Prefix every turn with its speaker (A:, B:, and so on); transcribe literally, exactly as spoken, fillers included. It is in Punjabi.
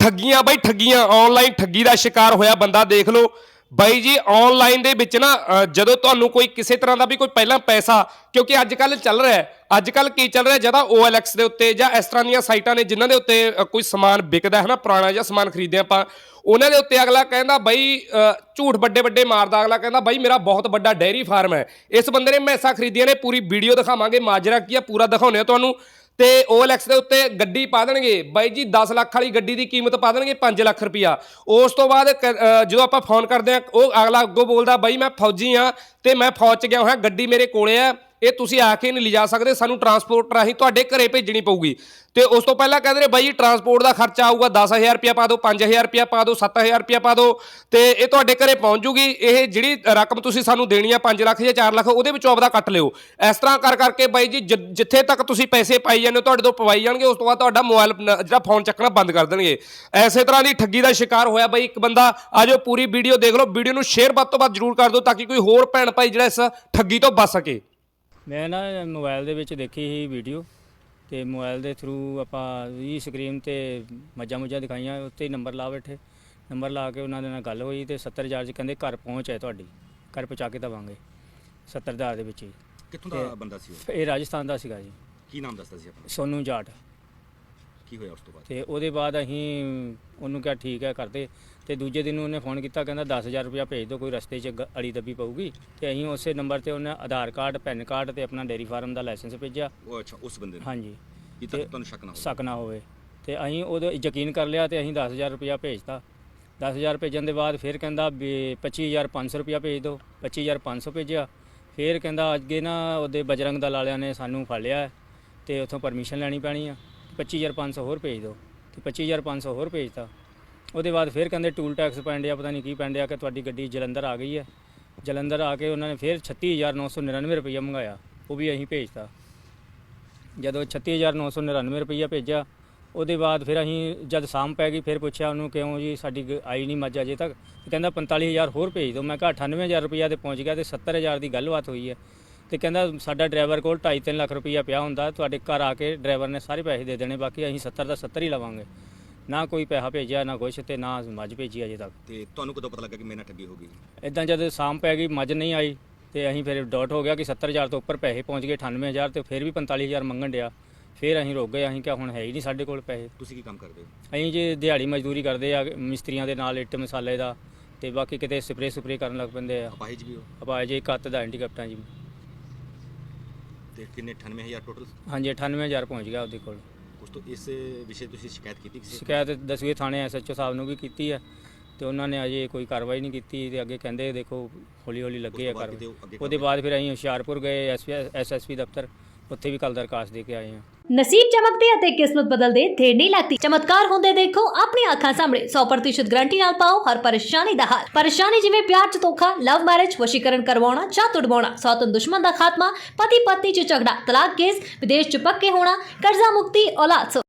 A: ठगियां बई ठगियां ऑनलाइन ठगी का शिकार होया बंदा देख लो ਬਾਈ ਜੀ ਆਨਲਾਈਨ ਦੇ ਵਿੱਚ ਨਾ ਜਦੋਂ ਤੁਹਾਨੂੰ ਕੋਈ ਕਿਸੇ ਤਰ੍ਹਾਂ ਦਾ ਵੀ ਕੋਈ ਪਹਿਲਾਂ ਪੈਸਾ ਕਿਉਂਕਿ ਅੱਜ ਕੱਲ ਚੱਲ ਰਿਹਾ ਹੈ ਅੱਜ ਕੱਲ ਕੀ ਚੱਲ ਰਿਹਾ ਜਿਆਦਾ O L X ਦੇ ਉੱਤੇ ਜਾਂ ਇਸ ਤਰ੍ਹਾਂ ਦੀਆਂ ਸਾਈਟਾਂ ਨੇ ਜਿਨ੍ਹਾਂ ਦੇ ਉੱਤੇ ਕੋਈ ਸਮਾਨ ਵਿਕਦਾ ਹੈ ਨਾ ਪੁਰਾਣਾ ਜਾਂ ਸਮਾਨ ਖਰੀਦਦੇ ਆਪਾਂ ਉਹਨਾਂ ਦੇ ਉੱਤੇ ਅਗਲਾ ਕਹਿੰਦਾ ਬਈ ਝੂਠ ਵੱਡੇ ਵੱਡੇ ਮਾਰਦਾ ਅਗਲਾ ਕਹਿੰਦਾ ਬਈ ਮੇਰਾ ਬਹੁਤ ਵੱਡਾ ਡੇਅਰੀ ਫਾਰਮ ਹੈ ਇਸ ਬੰਦੇ ਨੇ ਮੈਸਾਂ ਖਰੀਦੀਆਂ ਨੇ ਪੂਰੀ ਵੀਡੀਓ ਦਿਖਾਵਾਂਗੇ ਮਾਜਰਾ ਕੀ ਆ ਪੂਰਾ ਦਿਖਾਉਂਦੇ ਆ ਤੁਹਾਨੂੰ ਤੇ O L X ਦੇ ਉੱਤੇ ਗੱਡੀ ਪਾ ਦੇਣਗੇ ਬਾਈ ਜੀ ਦਸ ਲੱਖ ਵਾਲੀ ਗੱਡੀ ਦੀ ਕੀਮਤ ਪਾ ਦੇਣਗੇ ਪੰਜ ਲੱਖ ਰੁਪਇਆ ਉਸ ਤੋਂ ਬਾਅਦ ਜਦੋਂ ਆਪਾਂ ਫੋਨ ਕਰਦੇ ਆ ਉਹ ਅਗਲਾ ਅੱਗੋਂ ਬੋਲਦਾ ਬਾਈ ਮੈਂ ਫੌਜੀ ਆ ਤੇ ਮੈਂ ਫੌਜ 'ਚ ਗਿਆ ਹੋਇਆ ਗੱਡੀ ਮੇਰੇ ਕੋਲੇ ਆ ਇਹ ਤੁਸੀਂ ਆ ਕੇ ਨਹੀਂ ਲਿਜਾ ਸਕਦੇ ਸਾਨੂੰ ਟਰਾਂਸਪੋਰਟ ਰਾਹੀਂ ਤੁਹਾਡੇ ਘਰੇ ਭੇਜਣੀ ਪਊਗੀ ਤੇ ਉਸ ਤੋਂ ਪਹਿਲਾਂ ਕਹਿੰਦੇ ਨੇ ਬਾਈ ਟਰਾਂਸਪੋਰਟ ਦਾ ਖਰਚਾ ਆਊਗਾ ਦਸ ਹਜ਼ਾਰ ਰੁਪਇਆ ਪਾ ਦਿਓ ਪੰਜ ਹਜ਼ਾਰ ਰੁਪਇਆ ਪਾ ਦਿਓ ਸੱਤ ਹਜ਼ਾਰ ਰੁਪਇਆ ਪਾ ਦਿਓ ਤੇ ਇਹ ਤੁਹਾਡੇ ਘਰੇ ਪਹੁੰਚ ਜੂਗੀ ਇਹ ਜਿਹੜੀ ਰਕਮ ਤੁਸੀਂ ਸਾਨੂੰ ਦੇਣੀ ਆ ਪੰਜ ਲੱਖ ਜਾਂ ਚਾਰ ਲੱਖ ਉਹਦੇ ਵਿੱਚੋਂ ਆਪਦਾ ਕੱਟ ਲਿਓ ਇਸ ਤਰ੍ਹਾਂ ਕਰ ਕਰਕੇ ਬਾਈ ਜੀ ਜਿੱਥੇ ਤੱਕ ਤੁਸੀਂ ਪੈਸੇ ਪਾਈ ਜਾਂਦੇ ਹੋ ਤੁਹਾਡੇ ਤੋਂ ਪਵਾਈ ਜਾਣਗੇ ਉਸ ਤੋਂ ਬਾਅਦ ਤੁਹਾਡਾ ਮੋਬਾਈਲ ਜਿਹੜਾ ਫੋਨ ਚੱਕਣਾ ਬੰਦ ਕਰ ਦੇਣਗੇ ਐਸੇ ਤਰ੍ਹਾਂ ਦੀ ਠੱਗੀ ਦਾ ਸ਼ਿਕਾਰ ਹੋਇਆ ਬਾਈ ਇੱਕ ਬੰਦਾ ਆ ਜਾਓ ਪੂਰੀ ਵੀਡੀਓ ਦੇਖ ਲਓ ਵੀਡੀਓ ਨੂੰ ਸ਼ੇਅਰ ਵੱਧ ਤੋਂ ਵੱਧ ਜ਼ਰੂਰ ਕਰ ਦਿਓ ਤਾਂ ਕਿ ਕੋਈ ਹੋਰ ਭੈਣ ਭਾਈ ਜਿਹੜਾ ਇਸ ਠੱਗੀ ਤੋਂ ਬਚ ਸਕੇ
B: ਮੈਂ ਨਾ ਮੋਬਾਈਲ ਦੇ ਵਿੱਚ ਦੇਖੀ ਸੀ ਵੀਡੀਓ ਤੇ ਮੋਬਾਈਲ ਦੇ ਥਰੂ ਆਪਾਂ ਵੀ ਸਕਰੀਨ ਤੇ ਮੱਝਾਂ ਮੁੱਝਾਂ ਦਿਖਾਈਆਂ ਉੱਤੇ ਨੰਬਰ ਲਾ ਬੈਠੇ ਨੰਬਰ ਲਾ ਕੇ ਉਹਨਾਂ ਦੇ ਨਾਲ ਗੱਲ ਹੋਈ ਤੇ ਸੱਤਰ ਹਜ਼ਾਰ 'ਚ ਕਹਿੰਦੇ ਘਰ ਪਹੁੰਚ ਹੈ ਤੁਹਾਡੀ ਘਰ ਪਹੁੰਚਾ ਕੇ ਦੇਵਾਂਗੇ ਸੱਤਰ ਹਜ਼ਾਰ ਦੇ ਵਿੱਚ ਹੀ
C: ਕਿੱਥੋਂ ਦਾ ਬੰਦਾ ਸੀ ਉਹ
B: ਇਹ ਰਾਜਸਥਾਨ ਦਾ ਸੀਗਾ ਜੀ
C: ਕੀ ਨਾਮ ਦੱਸਦਾ ਸੀ ਆਪਣਾ
B: ਸੋਨੂ ਜਾਟ
C: ਕੀ ਹੋਇਆ ਉਸ ਤੋਂ ਬਾਅਦ
B: ਤੇ ਉਹਦੇ ਬਾਅਦ ਅਸੀਂ ਉਹਨੂੰ ਕਿਹਾ ਠੀਕ ਹੈ ਕਰਦੇ ਤੇ ਦੂਜੇ ਦਿਨ ਉਹਨੇ ਫੋਨ ਕੀਤਾ ਕਹਿੰਦਾ ਦਸ ਹਜ਼ਾਰ ਰੁਪਇਆ ਭੇਜ ਦਿਓ ਕੋਈ ਰਸਤੇ 'ਚ ਅੜੀ ਦੱਬੀ ਪਊਗੀ ਤੇ ਅਸੀਂ ਉਸੇ ਨੰਬਰ ਤੇ ਉਹਨੇ ਆਧਾਰ ਕਾਰਡ ਪੈਨ ਕਾਰਡ ਤੇ ਆਪਣਾ ਡੇਅਰੀ ਫਾਰਮ ਦਾ ਲਾਇਸੈਂਸ ਭੇਜਿਆ
C: ਉਹ ਅੱਛਾ ਉਸ ਬੰਦੇ ਨੂੰ
B: ਹਾਂਜੀ
C: ਇਹ ਤੱਕ ਤੁਹਾਨੂੰ ਸ਼ੱਕ ਨਾ ਹੋਵੇ
B: ਸ਼ੱਕ ਨਾ ਹੋਵੇ ਤੇ ਅਸੀਂ ਉਹਦੇ ਯਕੀਨ ਕਰ ਲਿਆ ਤੇ ਅਸੀਂ ਦਸ ਹਜ਼ਾਰ ਰੁਪਇਆ ਭੇਜਤਾ ਦਸ ਹਜ਼ਾਰ ਭੇਜਣ ਦੇ ਬਾਅਦ ਫਿਰ ਕਹਿੰਦਾ ਵੀ ਪੱਚੀ ਹਜ਼ਾਰ ਪੰਜ ਸੌ ਰੁਪਇਆ ਭੇਜ ਦਿਓ ਪੱਚੀ ਹਜ਼ਾਰ ਪੰਜ ਸੌ ਭੇਜਿਆ ਫਿਰ ਕਹਿੰਦਾ ਅੱਗੇ ਨਾ ਉਹਦੇ ਬਜਰੰਗ ਦਲ ਵਾਲਿਆਂ ਨੇ ਸਾਨੂੰ ਫੜ ਲਿਆ ਤੇ ਉੱਥੋਂ ਪਰਮਿਸ਼ਨ ਲੈਣੀ ਪੈਣੀ ਆ ਪੱਚੀ ਹਜ਼ਾਰ ਪੰਜ ਸੌ ਹੋਰ ਭੇਜ ਦਿਓ ਤੇ ਪੱਚੀ ਹਜ਼ਾਰ ਪੰਜ ਸੌ ਹੋਰ ਭੇਜਤਾ ਉਹਦੇ ਬਾਅਦ ਫਿਰ ਕਹਿੰਦੇ ਟੂਲ ਟੈਕਸ ਪੈਂਡਿਆ ਪਤਾ ਨਹੀਂ ਕੀ ਪੈਂਡਿਆ ਕਿ ਤੁਹਾਡੀ ਗੱਡੀ ਜਲੰਧਰ ਆ ਗਈ ਹੈ ਜਲੰਧਰ ਆ ਕੇ ਉਹਨਾਂ ਨੇ ਫਿਰ ਛੱਤੀ ਹਜ਼ਾਰ ਨੌ ਸੌ ਨੜਿਨਵੇਂ ਰੁਪਈਆ ਮੰਗਾਇਆ ਉਹ ਵੀ ਅਸੀਂ ਭੇਜਤਾ ਜਦੋਂ ਛੱਤੀ ਹਜ਼ਾਰ ਨੌ ਸੌ ਨੜਿਨਵੇਂ ਰੁਪਈਆ ਭੇਜਿਆ ਉਹਦੇ ਬਾਅਦ ਫਿਰ ਅਸੀਂ ਜਦ ਸ਼ਾਮ ਪੈ ਗਈ ਫਿਰ ਪੁੱਛਿਆ ਉਹਨੂੰ ਕਿਉਂ ਜੀ ਸਾਡੀ ਆਈ ਨਹੀਂ ਮੱਝ ਅਜੇ ਤੱਕ ਕਹਿੰਦਾ ਪੰਤਾਲੀ ਹਜ਼ਾਰ ਹੋਰ ਭੇਜ ਦਿਓ ਮੈਂ ਕਿਹਾ ਅਠਾਨਵੇਂ ਹਜ਼ਾਰ ਰੁਪਈਆ ਤੇ ਪਹੁੰਚ ਗਿਆ ਤੇ ਸੱਤਰ ਹਜ਼ਾਰ ਦੀ ਗੱਲਬਾਤ ਹੋਈ ਹੈ ਤੇ ਕਹਿੰਦਾ ਸਾਡਾ ਡਰਾਈਵਰ ਕੋਲ ਢਾਈ ਤਿੰਨ ਲੱਖ ਰੁਪਈਆ ਪਿਆ ਹੁੰਦਾ ਤੁਹਾਡੇ ਘਰ ਆ ਕੇ ਡਰਾਈਵਰ ਨੇ ਸਾਰੇ ਪੈਸੇ ਦੇ ਦੇਣੇ ਬਾਕੀ ਅਸੀਂ ਸੱਤਰ ਦਾ ਸੱਤਰ ਹੀ ਲਵਾਂਗੇ ਨਾ ਕੋਈ ਪੈਸਾ ਭੇਜਿਆ ਨਾ ਕੁਛ ਤੇ ਨਾ ਮੱਝ ਭੇਜੀ ਅਜੇ ਤੱਕ
C: ਤੇ ਤੁਹਾਨੂੰ ਕਦੋਂ ਪਤਾ ਲੱਗਾ ਕਿ ਮੇਰੇ ਨਾਲ ਠੱਗੀ ਹੋ ਗਈ
B: ਇਦਾਂ ਜਦ ਸ਼ਾਮ ਪੈ ਗਈ ਮੱਝ ਨਹੀਂ ਆਈ ਤੇ ਅਸੀਂ ਫਿਰ ਡਾਟ ਹੋ ਗਿਆ ਕਿ ਸੱਤਰ ਹਜ਼ਾਰ ਤੋਂ ਉੱਪਰ ਪੈਸੇ ਪਹੁੰਚ ਗਏ ਅਠਾਨਵੇਂ ਹਜ਼ਾਰ ਤੇ ਫਿਰ ਵੀ ਪੰਤਾਲੀ ਹਜ਼ਾਰ ਮੰਗਣ ਡਿਆ ਫਿਰ ਅਸੀਂ ਰੁਕ ਗਏ ਅਸੀਂ ਕਿਹਾ ਹੁਣ ਹੈ ਹੀ ਨਹੀਂ ਸਾਡੇ ਕੋਲ ਪੈਸੇ
C: ਤੁਸੀਂ ਕੀ ਕੰਮ ਕਰਦੇ ਹੋ
B: ਅਸੀਂ ਜੇ ਦਿਹਾੜੀ ਮਜ਼ਦੂਰੀ ਕਰਦੇ ਆ ਮਿਸਤਰੀਆਂ ਦੇ ਨਾਲ ਇੱਟ ਮਸਾਲੇ ਦਾ ਤੇ ਬਾਕੀ ਕਿਤੇ ਸਪਰੇ ਸਪਰੇ ਕਰਨ ਲੱਗ ਪੈਂਦੇ ਆ
C: ਅਪਾਹਿਜ ਵੀ ਹੋ
B: ਅਪਾਹਿਜ ਜੀ ਕੱਤ ਦਾ ਹੈਂਡੀਕੈਪਟਾਂ ਜੀ
C: ਤੇ ਕਿੰਨੇ ਅਠਾਨਵੇਂ ਹਜ਼ਾਰ ਟੋਟਲ
B: ਹਾਂਜੀ ਅਠਾਨਵੇਂ ਹਜ਼ਾਰ ਪਹੁੰਚ ਗਿਆ ਉਹਦੇ ਕੋਲ
C: ਉਸ ਤੋਂ ਇਸ ਵਿਸ਼ੇ ਤੁਸੀਂ ਸ਼ਿਕਾਇਤ ਕੀਤੀ ਕਿਸੇ
B: ਸ਼ਿਕਾਇਤ ਦਸਵੇਂ ਥਾਣੇ ਐਸ ਐਚ ਓ ਸਾਹਿਬ ਨੂੰ ਵੀ ਕੀਤੀ ਹੈ ਤੇ ਉਹਨਾਂ ਨੇ ਅਜੇ ਕੋਈ ਕਾਰਵਾਈ ਨਹੀਂ ਕੀਤੀ ਤੇ ਅੱਗੇ ਕਹਿੰਦੇ ਦੇਖੋ ਹੌਲੀ ਹੌਲੀ ਲੱਗੇ ਆ ਕਾਰਵਾਈ ਉਹਦੇ ਬਾਅਦ ਫਿਰ ਅਸੀਂ ਹੁਸ਼ਿਆਰਪੁਰ ਗਏ ਐਸ ਐਸ ਪੀ ਦਫ਼ਤਰ ਉੱਥੇ ਵੀ ਕੱਲ ਦਰਖਾਸਤ ਦੇ ਕੇ ਆਏ ਹਾਂ
D: ਨਸੀਬ ਚਮਕਦੇ ਅਤੇ ਕਿਸਮਤ ਬਦਲਦੇ ਦੇਰ ਨਹੀਂ ਲੱਗਦੀ ਚਮਤਕਾਰ ਹੁੰਦੇ ਦੇਖੋ ਆਪਣੀ ਅੱਖਾਂ ਸਾਹਮਣੇ ਸੌ ਪ੍ਰਤੀਸ਼ਤ ਗਾਰੰਟੀ ਨਾਲ ਪਾਓ ਹਰ ਪਰੇਸ਼ਾਨੀ ਦਾ ਹੱਲ ਪਰੇਸ਼ਾਨੀ ਜਿਵੇਂ ਪਿਆਰ ਚ ਧੋਖਾ ਲਵ ਮੈਰਿਜ ਵਸ਼ੀਕਰਨ ਕਰਵਾਉਣਾ ਜਾਂ ਤੁੜਵਾਉਣਾ ਸੌਤਨ ਦੁਸ਼ਮਣ ਦਾ ਖਾਤਮਾ ਪਤੀ ਪਤਨੀ ਚ ਝਗੜਾ ਤਲਾਕ ਕੇਸ ਵਿਦੇਸ਼ ਚ ਪੱਕੇ ਹੋਣਾ ਕਰਜ਼ਾ ਮੁਕਤੀ ਔਲਾਦ